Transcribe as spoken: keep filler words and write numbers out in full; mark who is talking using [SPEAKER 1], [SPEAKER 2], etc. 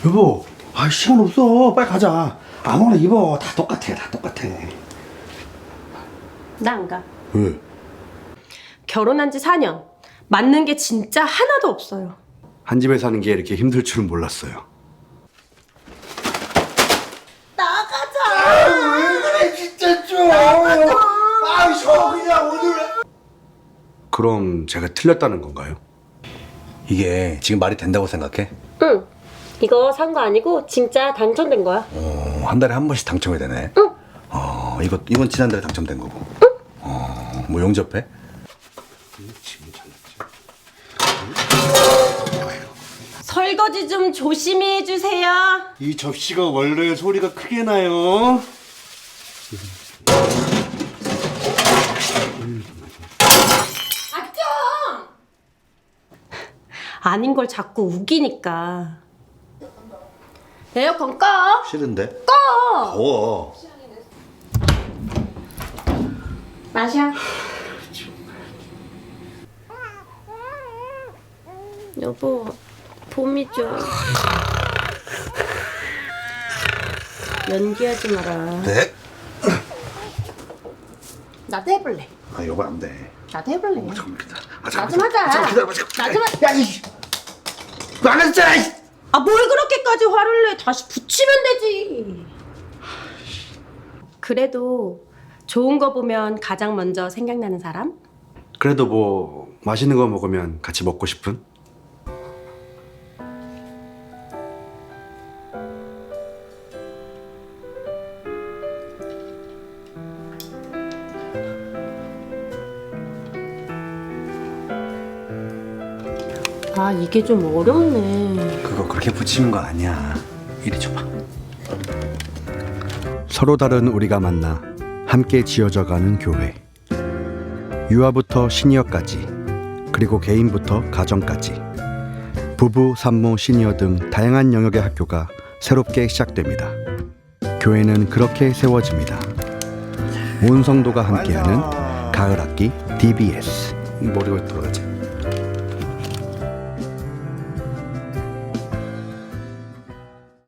[SPEAKER 1] 여보, 아 시간 없어. 빨리 가자. 아무거나 입어. 다 똑같아, 다 똑같아.
[SPEAKER 2] 나 안 가.
[SPEAKER 1] 왜?
[SPEAKER 2] 결혼한 지 사 년. 맞는 게 진짜 하나도 없어요.
[SPEAKER 1] 한 집에 사는 게 이렇게 힘들 줄은 몰랐어요.
[SPEAKER 2] 나가자.
[SPEAKER 1] 아, 왜 그래 진짜 좀. 아, 저 그냥 오늘. 그럼 제가 틀렸다는 건가요?
[SPEAKER 3] 이게 지금 말이 된다고 생각해?
[SPEAKER 2] 응. 이거 산 거 아니고 진짜 당첨된 거야.
[SPEAKER 3] 어, 한 달에 한 번씩 당첨이 되네.
[SPEAKER 2] 응.
[SPEAKER 3] 어, 이거 이건 지난달에 당첨된 거고. 응. 어, 뭐 용접해?
[SPEAKER 2] 설거지 좀 조심히 해주세요.
[SPEAKER 1] 이 접시가 원래 소리가 크게 나요.
[SPEAKER 2] 아 좀! 아닌 걸 자꾸 우기니까. 에어컨 꺼.
[SPEAKER 3] 싫은데?
[SPEAKER 2] 꺼.
[SPEAKER 3] 더워.
[SPEAKER 2] 마셔. 여보, 봄이죠. 연기하지 마라.
[SPEAKER 3] 네?
[SPEAKER 2] 나도 해볼래.
[SPEAKER 3] 아, 여보 안 돼.
[SPEAKER 2] 나도 해볼래.
[SPEAKER 3] 잠깐만 기다려. 아,
[SPEAKER 2] 나
[SPEAKER 3] 잠깐만,
[SPEAKER 2] 좀 하자.
[SPEAKER 3] 잠깐만 기다려봐. 잠깐만.
[SPEAKER 2] 나 좀 하.
[SPEAKER 1] 야, 이. 안 했잖아. 이.
[SPEAKER 2] 아, 뭘 그렇게까지 화를 내? 다시 붙이면 되지. 그래도 좋은 거 보면 가장 먼저 생각나는 사람?
[SPEAKER 1] 그래도 뭐 맛있는 거 먹으면 같이 먹고 싶은?
[SPEAKER 2] 아, 이게 좀 어렵네.
[SPEAKER 3] 그거 그렇게 붙이는 거 아니야. 이리 줘봐.
[SPEAKER 1] 서로 다른 우리가 만나 함께 지어져가는 교회. 유아부터 시니어까지, 그리고 개인부터 가정까지, 부부, 산모, 시니어 등 다양한 영역의 학교가 새롭게 시작됩니다. 교회는 그렇게 세워집니다. 온 성도가 함께하는 가을 학기 디비에스.
[SPEAKER 3] 머리가 돌아가지.